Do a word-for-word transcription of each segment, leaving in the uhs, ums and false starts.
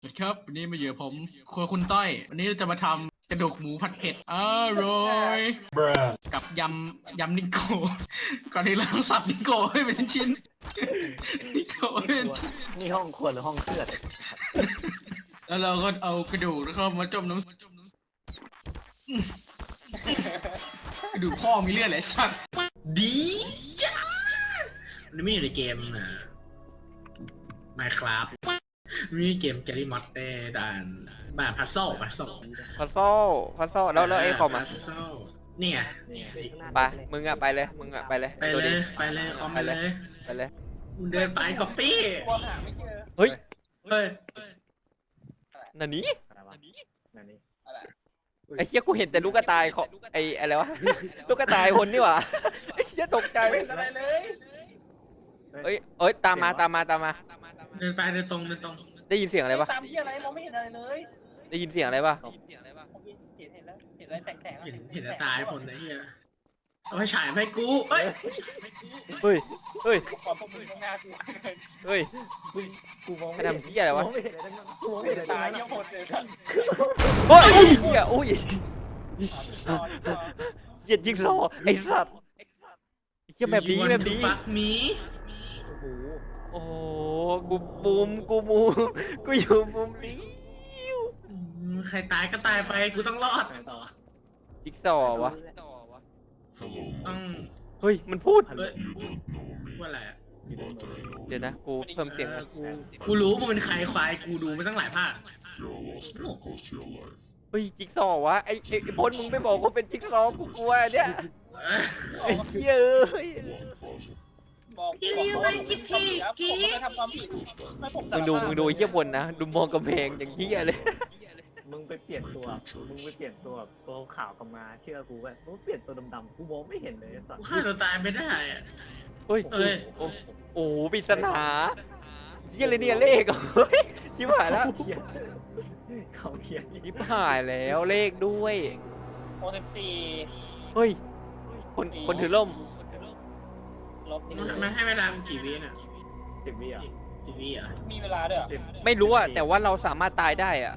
สวัสดีครับวันนี้มาอยู่กับผมครัวคุณต้อยวันนี้จะมาทำกระดูกหมูผัดเผ็ดอร่อยกับยำยำนิโก้ก่อนที่เราต้องสับนิโก้ให้เป็นชิ้นนิโก้ให้เป็นชิ้นนี่ห้องครัวหรือห้องเครื่องแล้วเราก็เอากระดูกแล้วก็มาจมน้ำกระดูกพ่อมีเลือดแหละชัดดีจ้านี่ไม่อยู่ในเกมนะ Minecraft มีเกม Gary Mod เต้ด่านแบบพัซโซ่พัซโซ่พัซโซ่พัซโซ่แล้วแล้วไอ้คอมอ่ะพัซโซ่นี่ไงไปมึงอ่ะไปเลยมึงอ่ะไปเลยไปเลยไปเลยคอมไปเลยไปเลยมึงเดินไปก๊อปปี้เฮ้ยเฮ้ยนันนี้อะไรวะนั่นนี่ไอ้เหี้ยกูเห็นแต่ลูกกระต่ายของไอ้อะไรวะลูกกระต่ายคนนี่หว่าไอ้เหี้ยตกใจอะไรเลยเอ้ยเอ้ยตามมาตามมาตามมาเดินไปเดินตรงเดินตรงได้ยินเสียงอะไรปะตามที่อะไรมองไม่เห็นอะไรเลยได้ยินเสียงอะไรปะผมเห็นเห็นเห็นแล้วเห็นอะไรแสงแสงเห็นเห็นแต่ตายคนนะเฮียเอาไปฉายให้กูเฮ้ยเฮ้ยเฮ้ยขอพวกมึงข้างหน้ากูเฮ้ยกูมองใครไม่เห็นทำเหี้ยอะไรวะมองไม่เห็นอะไรทั้งนั้นกูมองไม่เห็นอะไรตายทั้งเยี่ยนั้นมหมดเลยท่านเฮ้ยเหี้ยอุ้ยเหี้ยจิ๊กซอว์ไอ้สัตว์เหี้ยแบบนี้แบบนี้ฟักมีโอ้โหโอ้โหกูมุมกูมุมกูอยู่มุมนี้ใครตายก็ตายไปกูต้องรอดไปต่อจิ๊กซอว์วะต้องเฮ้ยมันพูดเฮ้ยว่าอะไรอ่ะเดี๋ยวนะกูเพิ่มเสียงเอก่ออน กูกูรู้มึงเป็นใครควายกูดูไม่ตั้งหลายภาคเฮ้ยจิ๊กซอว์วะไอ้ไอ้ไอ้พลมึงไม่บอกว่าเป็นจิ๊กซอว์กูกลัวเนี่ยไอ้เชี่ยเอ้ยบอกบอกว่าผมไม่ทำความผิดไม่ผมมึงดูมึงดูไอ้เชี่ยพลนะดูมองกำแพงอย่างเหี้ยเลยมึงไปเปลี่ยนตัวมึงไปเปลี่ยนตัวตัวขาวกลับมาเชื่อกูว่ามึงเปลี่ยนตัวดำๆกูมองไม่เห็นเลยสัตกูว์ฆ่าตัวตายไม่ได้อ่ะเฮ้ยเอ้ยโอ้โอ้ปริศนาเหี้ยเลยเนี่ยเลขเฮ้ยชิบหายแล้วเขียนเขาเขียนชิบหายแล้วเลขด้วยโอสิบสี่เฮ้ยคนคนถือร่มลบนี่มันมันให้เวลามึงกี่วิน่ะสิบวิอ่ะสิบวิอ่ะมีเวลาด้วยสิบไม่รู้อะแต่ว่าเราสามารถตายได้อะ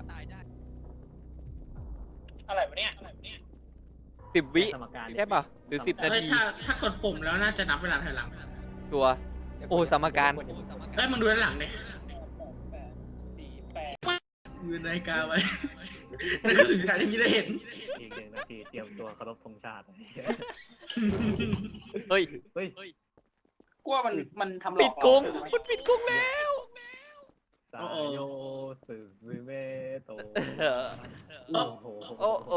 อะไรวะเนี่ยสิบวิสมการใช่ป่ะหรือสิบนาเอ้ยทีถ้าถ้ากดปุ่มแล้วน่าจะนับเวลาถอยหลังชัวร์โอ้สมการเอ้ยมึงดูด้านหลังดิสี่แปดมือนาฬิกาไว้นั่นก็ถึงเวลาที่พี่ได้เห็นอีกหนึ่งนาทีเตรียมตัวเคารพธงชาติเฮ้ยเฮ้ยกลัวมันมันทำหลปิอดกกรงมันปิดกรงแล้วสายโยสึวิเมโตเออโอ้โหโอ้โอ้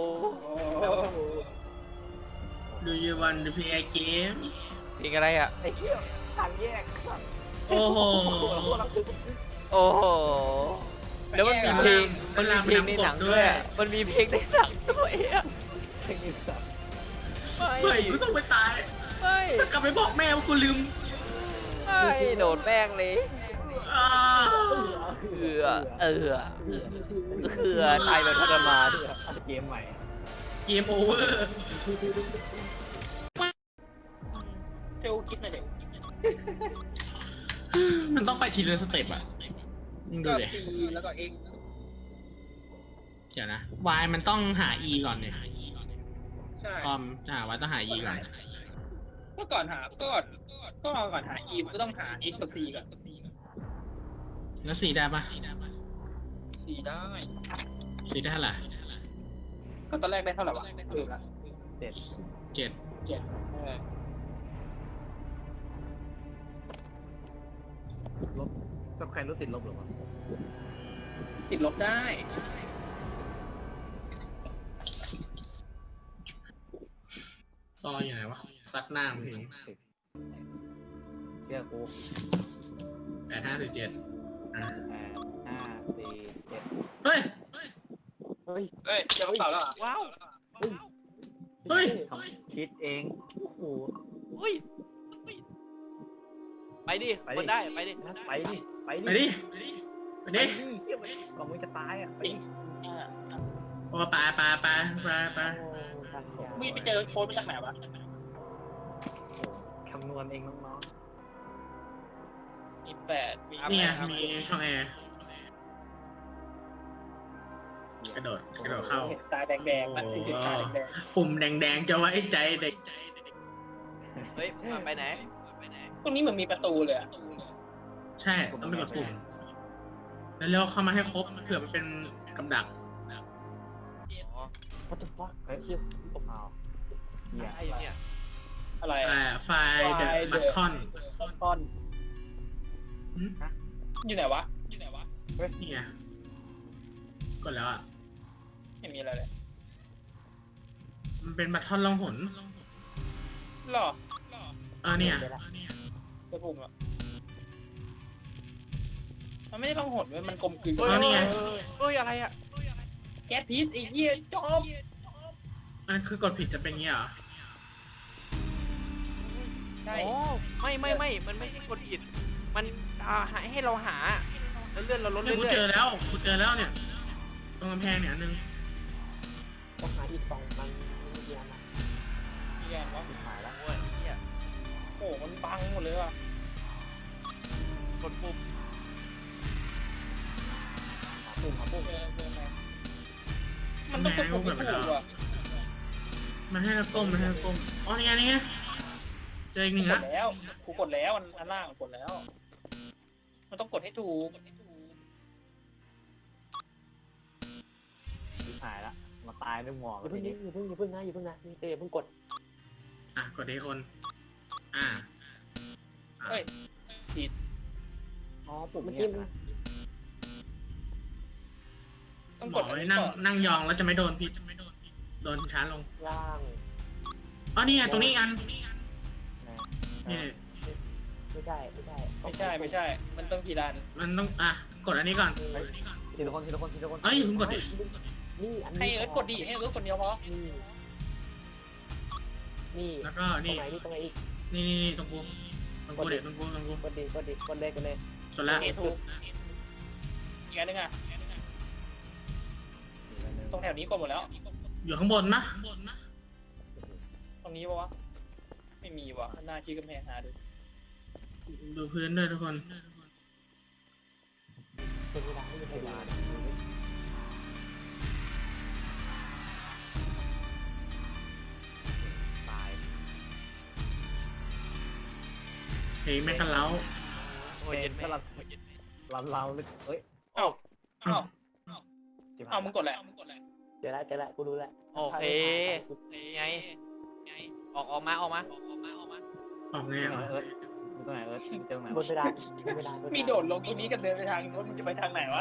Do you want to play a game เพลงอะไรอะไอ้เหี้ยทางแยกโอ้โหโอ้โหแล้วมันมีเพลงมันมีเพลงในหนังด้วยอะมันมีเพลงในหนังด้วยอะเทคนิคสัตว์ไม่เฮ้ยกูต้องไปตายไม่ถ้ากลับไปบอกแม่ว่ากูลืมไม่โดดแป้งเลยอ่าเอือเอือเอือตายแบบทรมานเกมใหม่เกมโอเวอร์เจ้าคิดหน่อยเด็กมันต้องไปทีละสเต็ปอ่ะมึงดูก็ดิซีแล้วก็เอ็กเดี๋ยวนะ Y มันต้องหา E ก่อนเนี่ยใช่คอมหา Y ต้องหา E ก่อนก็ก่อนหาก็ก่อนก็รอก่อนหา E มันก็ต้องหา X กับ C ก่อนแล้ว C ได้ปะ C ได้ C ได้เท่าไหร่ก็ตอนแรกได้เท่าไหร่วะเออละเจ็ดเจ็ดเจ็ดเออลบสับใครรู้ติดลบหรือเปล่าติดลบได้ต่ออยู่ไหนวะซัดหน้ามึงเรียกกูแปดห้าสิบเจ็ดอ่ะแปดห้าสี่เจ็ดเฮ้ยเฮ้ยเฮ้ยเจอกระเป๋าแล้วเหรอว้าวเฮ้ยทำคิดเองโอ้โหเฮ้ยไปดิคนได้ไปดิไปดิไปไปดิดิ ไปดิ ไปไปดิดิเฮียไปก่อนมึงจะตายอ่ะไปดิอ่าโอ้ไปไปไปไปไปมีไปเจอโค้ดมาจากไหนวะคำนวณเองน้องมีแปดมีเนี่ยมีช่องแอร์กระโดดกระโดดเข้าตาแดงๆมันถึงตาแดงปุ่มแดงๆจะไว้ใจเด็กเฮ้ยมาไปไหนๆตรงนี้เหมือนมีประตูเลยอะใช่ต้องไปกดปุ่มแล้วเร็วเข้ามาให้ครบเผื่อมันเป็นกำดักอ๋อวัตถุฟักเฮ้ยเหี้ยตกเอาเหี้ยไอ้เนี่ยอะไรอ่าไฟล์เดอะบัคคอนก้อนหืมอยู่ไหนวะอยู่ไหนวะนี่ไงกดแล้วอ่ะไม่มีอะไรเลยมันเป็นบัคคอนล่องหนหรอเออเนี่ยกระปุ่มอ่ะมันไม่ได้ลองหดเว้ยมันกลมกลืนเอ้ยอ๋อนี่ไงเอ้ยอะไรอ่ะแก๊สพิษไอ้เหี้ยจอมมันคือกดผิดจะเป็นงี้เหรอใช่อ๋อไม่ไม่ไม่มันไม่ใช่กดผิดมันอ่าให้ให้เราหาแล้วเลื่อนเราลดนี่เรื่กูอยเจอแล้วกูเจอแล้วเนี่ยตรงกำแพงเนี่ยอันนึงต้องหาอีกสองมันไม่เดียวนะมีแกนวะหายแล้วๆโอ้ยเหี้ยโอ้มันบังหมดเลยว่ะกดปุ่มหาปุ่มหาปุ่มเออเออไงมันต้องกดปุ่มให้ถูกว่ะมันให้เราก้มมันให้เราก้มอ๋อนี่ไงนี่ไงเจออีกหกูนึ่งกละดแล้วกูกดแล้วอันอันล่างกดแล้ว มันต้องกดให้ถูกหายแล้วมาตายด้วยหมอกอย่าเพิ่งอย่าเพิ่งอย่าเพิ่งนะอย่าเพิ่งนะเต้อย่าเพิ่งกดอ่ะกดดีคนอ่าเอ้ยผิดอ๋อปุ่มเมื่อกี้มันต้องหมกอดอันไว้นี้นั่งก่อนนั่งยองแล้วจะไม่โดนพิษโดนช้าลงล่างอ๋อนี่ไงตรงนี้อีกอันนะนี่ไม่ใช่ไม่ใช่ไม่ใช่ไม่ใช่ มันต้องกี่ดันมันต้องอ่ะกดอันนี้ก่อนทีละคนทีละคนทีละคนเอ้ยมึงกดดินี่อันนี้ให้เอิร์ธกดดิให้เอิร์ธคนเดียวพอนี่นี่แล้วก็ตรงนี่ไหนนี่ตรงไหนอีกนี่นี่นี่ตรงกูตรงกูเด็กตรงกูตรงกูกดดิกดดิกดเลยกดเลยกดแล้วเอถูกอีกอันหนึงอ่ะตรงแถวนี้กดหมดแล้วอยู่ข้างบนนะตรงนี้ปะวะ ไม่มีวะหน้าที่กำแพงหาดูดูพื้นด้วยทุกคนเป็นเวลาไม่เป็นเวลาตายเพลงแม่กันเล้าโอ้ยเย็นไหมก็เราเราเราลึกเอ้ยเอ้าเอ้าจิ๋วเอ้ามึงกดแหละเจอแล้วเจอแล้วกูรู้แล้วโอเคไงออกออกมาออกมาออกมาออกมาออกไงเออ่ะอเอิร์ธตรงไหนเอิร์ธเจอตรงไหนบนเวลาบนเวลามีโดดลงตรงนี้กับเดินไปทางนู้นมึงจะไปทางไหนวะ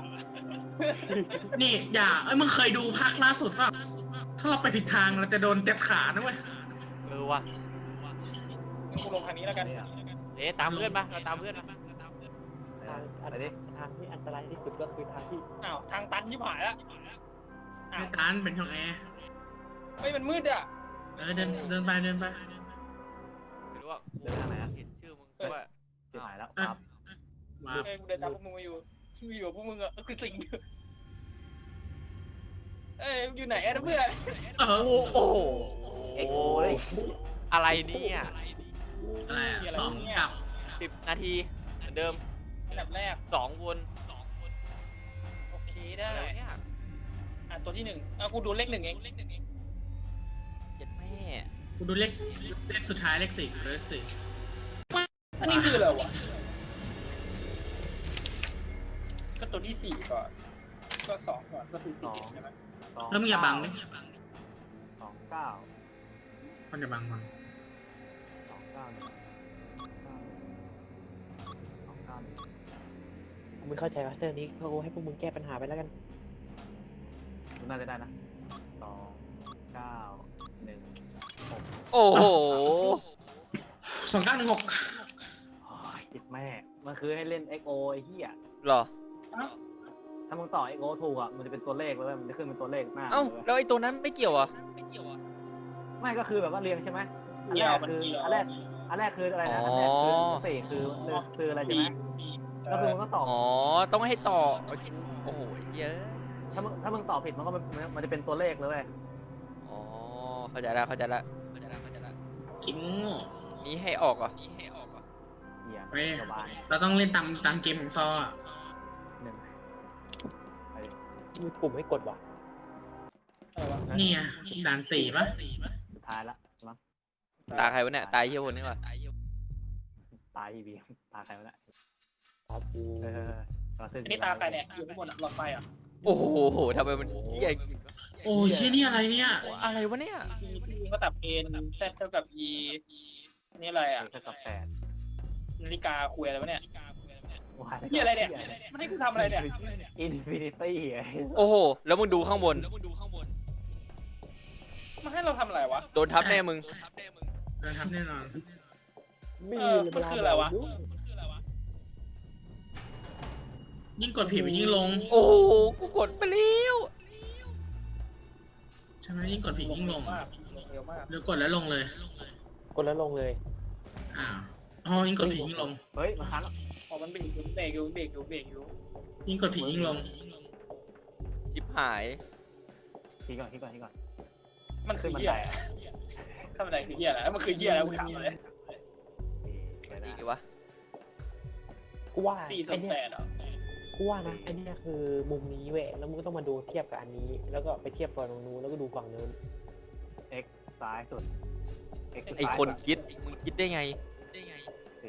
นี่อย่าเอ้ยมึงเคยดูภาคล่าสุดป่ะถ้าเราไปผิดทางเราจะโดนเต็บขานะเว้ยเออว่ะงั้นกูลงทางนี้แล้วกันเอ๊ะตามเพื่อนปะเราตามเพื่อนปะทางอะไรดิทางที่อันตรายที่สุดก็คือทางที่อ้าวทางตันยิบหายแล้วอ้าวไม่ตันเป็นช่องแอร์เฮ้ยมันมืดอ่ะเออเดินเดินไปเดินไปไม่รู้ว่ากูเห็นชื่อมึงว่าจิ๋วหายแล้วครับว้าเฮ้ยกูเดินตามพวกมึงมาอยู่ชื่ออยู่กับพวกมึงอ่ะก็คือสิ่งเดียวเอ้ยอยู่ไหนอะเพื่อนเออโอ้โอ้เอ็กโอเลยอะไรเนี่ยอะไรอ่ะสองกับสิบนาทีเหมือนเดิมอันดับแรกสองวนสองวนโอเคได้อะไรเนี่ยอ่ะตัวที่หนึ่งอ่ะกูดูเลขหนึ่งเองเลขหนึ่งเองเจ็ดแม่กูดูเลขเลขสุดท้ายเลขสี่เลขสี่อันนี้คืออะไรวะก็ตัวที่สี่ก่อนก็สองก่อนก็คือสี่ใช่ไหมแล้วมึงอย่าบังดิสองเก้ามันอย่าบังมันสองเก้าสองเก้ากูไม่เข้าใจว่าเซอร์นี้เขาให้พวกมึงแก้ปัญหาไปแล้วกันน่าจะได้นะสองเก้าหนึ่งโอ้โหสองเก้าหนึ่งหกโอ้ยจิตแม่ มันคือให้เล่น เอ็ก โอ ไอ้เหี้ยเหรอถ้ามึงต่อ เอ็ก โอ ถูกอ่ะ มันจะเป็นตัวเลขเลยเว้ยมันจะขึ้นเป็นตัวเลขหน้าเอ้าเลยเว้ยแล้วไอ้ตัวนั้นไม่เกี่ยวอ่ะไม่เกี่ยวอ่ะไม่ก็คือแบบว่าเรียงใช่ไหมอันเกี่แรยวกมันคือเกี่ยวอันแรก อันแรกคืออะไรนะ อันแรกคือสี่คือคืออะไรใช่ไหมก็คือมึงก็ตอบอ๋อต้องให้ต่อโอ้โหเยอะถ้ามึงถ้ามึงตอบผิดมันก็มันมันจะเป็นตัวเลขเลยเว้ยอ๋อเข้าใจแล้วเข้าใจแล้วเข้าใจแล้วเข้าใจแล้วกินโง่นี้ให้ออกเหรอ่ะนี้ให้ออกเหรอ่ะเหี้ยเว้ยสบายเราต้องเล่นตามตามเกมของซออ่ะหนึ่งไปดิมีปุ่มให้กดว่ะอะไรวะนี่ไงด่านสี่ปะสุดท้ายละมั้งตาใครวะเนี่ยตายเฮียคนนี้วะตายอีบีตาใครวะเนี่ยตาปูเอออันนี้ตาใครเนี่ยอยู่ข้างบนอะหลอดไฟอ่ะโอ้โหทำไมมันเฮียโอ้ยเชี่ยนี่อะไรเนี่ยอะไรวะเนี่ยที่ที่เขาตับเอ็นแซดเท่ากับ e นี่อะไรอ่ะเท่ากับแปดนาฬิกาคุยอะไรวะเนี่ยว้ายนี่อะไรเนี่ยมันให้กูทำอะไรเนี่ยอินฟินิตี้โอ้โหแล้วมึงดูข้างบนมันให้เราทำอะไรวะโดนทับแน่มึงโดนทับแน่นอนเออมันคืออะไรวะยิ่งกดผิดมันยิ่งลงโอ้โหกูกดไปแล้วใช่ไหมยิ่งกดผิดยิ่งลงมากเร็วมากหรือกดแล้วลงเลยกดแล้วลงเลยอ้าวอ๋อยิ่งกดผิดยิ่งลงเฮ้ยมาคันแล้วอ๋อมันเบรกอยู่เบรกอยู่เบรกอยู่เบรกอยู่ยิ่งกดผิดยิ่งลงชิบหายทีก่อนทีก่อนทีก่อนมันคือเหี้ยอะไรข้ามบันไดคือเหี้ยอะไรมันคือเหี้ยอะไรกูถามเลยนี่ดีวะกูว่าสี่ส่ไอวนเนี้แปยดเหรอกูว่านะไอเนี้ยคือมุมนี้เว้ยแล้วมึงก็ต้องมาดูเทียบกับอันนี้ แล้วก็ไปเทียบกับตรงนู้นแล้วก็ดูฝั่งนู้น x ซ้ายสุด x ไอคนคิดมึงคิดได้ไงสี่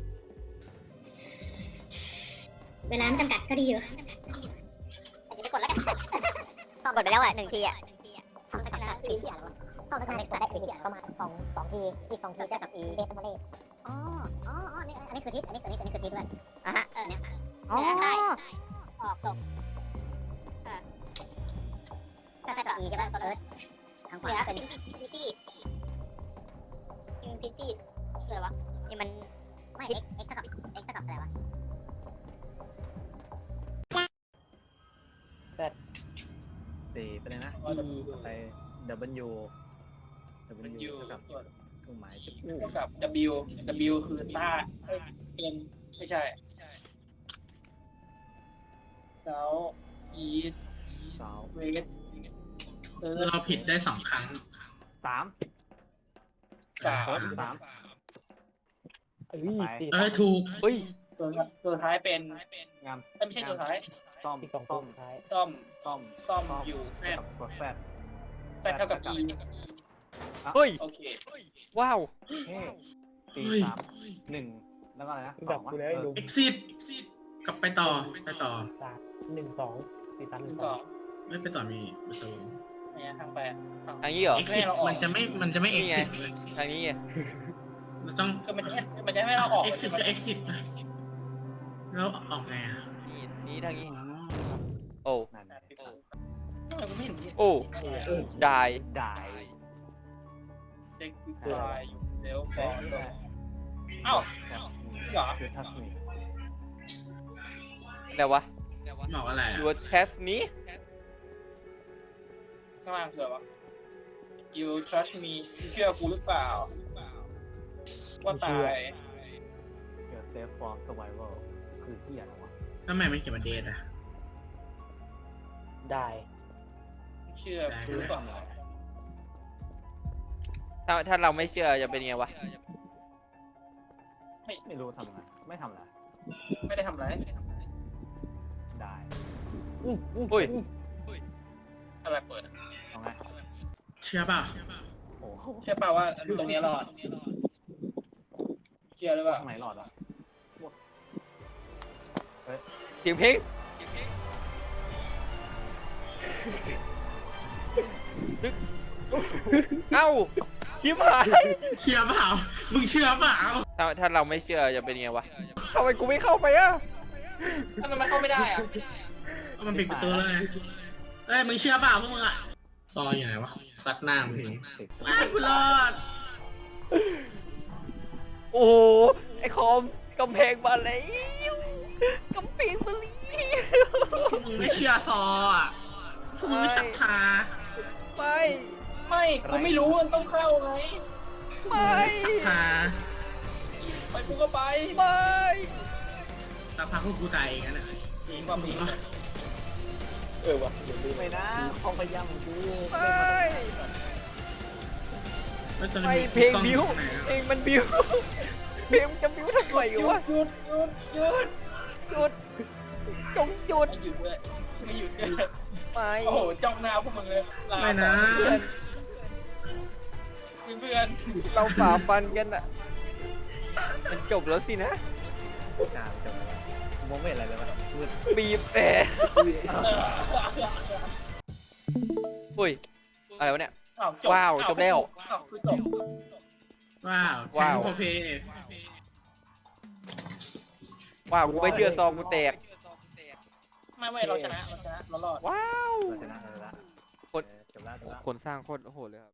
เวลามันจำกัดก็ดีอยู่จะกดแล้วกันพอกดไปแล้วอ่ะหนึ่งทีอ่ะทำไปกันนะทีที่อะไรวะพอไปทำได้กดได้คือที่ประมาณสองสองทีอีกสองทีได้กับอีเดสโมเลอ๋ออ๋ออ๋อนี่อันนี้คือทิศอันนี้อันนี้อันนี้คือทิศด้วยอ่ะฮะเออเนี่ยอ๋อออกตกเออก็ได้กับอีใช่ป่ะเอิร์ธทางขวาเป็นอินฟินิตี้อินฟินิตี้อะไรวะนี่มันไม่ x x เท่ากับ x เท่ากับอะไรวะสี่ไปเลยนะอ๋อ e ไป w มัน w อยู่เท่ากับเครื่องหมายจุดเท่ากับ w w คือต้าเอ้ยเป็นไม่ใช่ south east สอง west เออเราผิดได้สองครั้งสามสามสามเอ้ยสี่เออถูกเฮ้ยตัวตัวท้ายเป็นงามเอ้ยไม่ใช่ตัวท้ายต้อมที่สองต้ต้อมมท้ายต้อมต้อมต้อมอยู่แซดกดแฟดแซดเท่ากับ e เฮ้ยโอเคว้าวเฮ้สี่เฮ้ยสามหนึ่งแล้วก็อะไรนะแบบกูแล้วไอ้ลุง exit กลับไปต่อไปต่อสามหนึ่งสองสี่สามหหนึ่นึ่งงสสออง งไม่ไปต่อมีประตูเนี่ยทางไปทางทางนี้เหรอ exit มันจะไม่มันจะไม่นี่ไง exit ทางนี้ไงเราต้องคือมันจะไม่มันจะไม่ให้เราออก exit ก็ exit แล้วออกไงอ่ะนี่นี่ทางนี้ โอ้นั่นไงทำไมกูไม่เห็นมีโอ้ได้ได้เซ็กซ์ไฟอยู่เร็วฟองเอ้าเหรอคือทัศนีอะไรวะบอกอะไรอ่ะ Your test me ข้างล่างคืออะไรวะ You trust me เชื่อกูหรือเปล่า ว่าตายเกิดเซฟฟอร์มสไวเวอร์คือที่อะไรวะทำไมมันเขียนมาเดทอ่ะได้เชื่อกูหรือเปล่าถ้าถ้าเราไม่เชื่อจะเป็นยังไงวะไม่รู้ทำไงไม่ทำอะไรไม่ได้ทำอะไรได้อุ้ยอะไรเปิดอะเอาไงเชื่อเปล่าโอ้โหเชื่อเปล่าว่าตรงนี้รอด เชื่อหรือเปล่าข้างไหนหลอดอ่ะเสียงเพลงเอ้าชิบหายเชื่อเปล่ามึงเชื่อเปล่าถ้าถ้าเราไม่เชื่อจะเป็นยังไงวะทำไมกูไม่เข้าไปอะทำไมมันเข้าไม่ได้อะมันปิดประตูเลยเอ้ยมึงเชื่อเปล่าพวกมึงอ่ะซอยอยู่ไหนวะซัดหน้ามึงสิไอ้กูรอดโอ้โหไอคอมกำแพงมาแล้วกำแพงมาแล้วมึงไม่เชื่อซออ่ะพวกมึงไม่ศรัทธาไม่ไม่กูไม่รู้มันต้องเข้าไงไม่ศรัทธาไปกูก็ไปไม่สักพักพวกกูตายเองนะมีความมีเออวะเดี๋ยวดูไม่นะเขาพยายามกูไม่ไม่ตอนไม่นี้เพลงกอบิวอยู่ไหนอะเพลงมันบิวเพลงจะบิวทำไมหยุวะดหยุดหยุดหยุดหยุดจงหยุดไม่หยุดด้วยไม่หยุดเลยไม่โอ้โหจ้องหน้าพวกมึงเลยลาไม่นะเพื่อนเพื่อนเราฝ่าฟันกันอะมันจบแล้วสินะอ่าจบแล้วมองไม่เห็นอะไรเลยวะมืดบีบแต่อุ้ยอะไรวะเนี่ยอ้าวจบว้าวจบแล้วอ้าวคือจบว้าวว้าวแข่งโคเพย์ว้าวกูไม่เชื่อซองกูแตกไม่ไม่เราชนะเราชนะเรารอดว้าวเราชนะเราชนะคนเออจบแล้วจบแล้วคนสร้างโคตรโหดเลยครับ